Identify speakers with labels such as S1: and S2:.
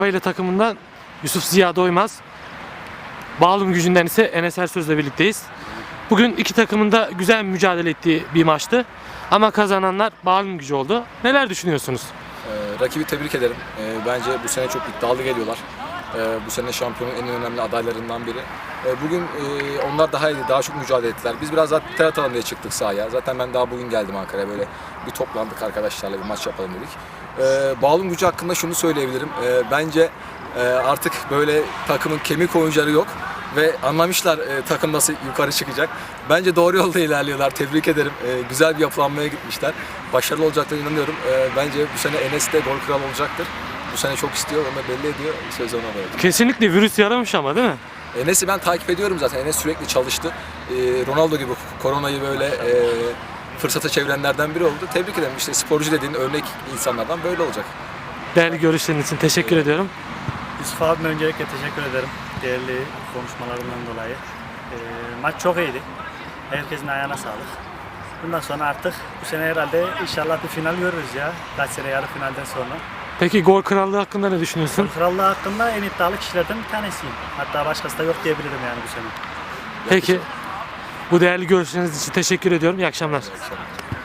S1: ile takımından Yusuf Ziya Doymaz. Bağlum Gücü'nden ise Enes Ersöz'le birlikteyiz. Bugün iki takımın da güzel mücadele ettiği bir maçtı. Ama kazananlar Bağlum Gücü oldu. Neler düşünüyorsunuz?
S2: Rakibi tebrik ederim. Bence bu sene çok iddialı geliyorlar. Bu sene şampiyonun en önemli adaylarından biri. Bugün onlar daha iyi, daha çok mücadele ettiler. Biz biraz daha ter atalım diye çıktık sahaya. Zaten ben daha bugün geldim Ankara'ya, böyle bir toplandık arkadaşlarla, bir maç yapalım dedik. Bağlum Gücü hakkında şunu söyleyebilirim. Bence artık böyle takımın kemik oyuncuları yok. Ve anlamışlar takım nasıl yukarı çıkacak. Bence doğru yolda ilerliyorlar. Tebrik ederim. Güzel bir yapılanmaya gitmişler. Başarılı olacaklarına inanıyorum. Bence bu sene Enes de gol kralı olacaktır. Bu sene çok istiyor, onu da belli ediyor. Söz ona bırakıyorum.
S1: Kesinlikle virüs yaramış ama, değil mi?
S2: Enes'i ben takip ediyorum zaten. Enes sürekli çalıştı. Ronaldo gibi koronayı böyle fırsata çevirenlerden biri oldu. Tebrik ederim. İşte sporcu dediğin örnek insanlardan böyle olacak.
S1: Değerli görüşleriniz için teşekkür ediyorum.
S3: Yusuf abime öncelikle teşekkür ederim. Değerli konuşmalarından dolayı. Maç çok iyiydi. Herkesin ayağına sağlık. Bundan sonra artık bu sene herhalde inşallah bir final görürüz ya. Kaç sene yarı finalden sonra.
S1: Peki gol krallığı hakkında ne düşünüyorsun?
S3: Krallığı hakkında en iddialı kişilerden bir tanesiyim. Hatta başkası da yok diyebilirim yani bu sene.
S1: Peki bu değerli görüşleriniz için teşekkür ediyorum. İyi akşamlar.
S2: İyi akşamlar.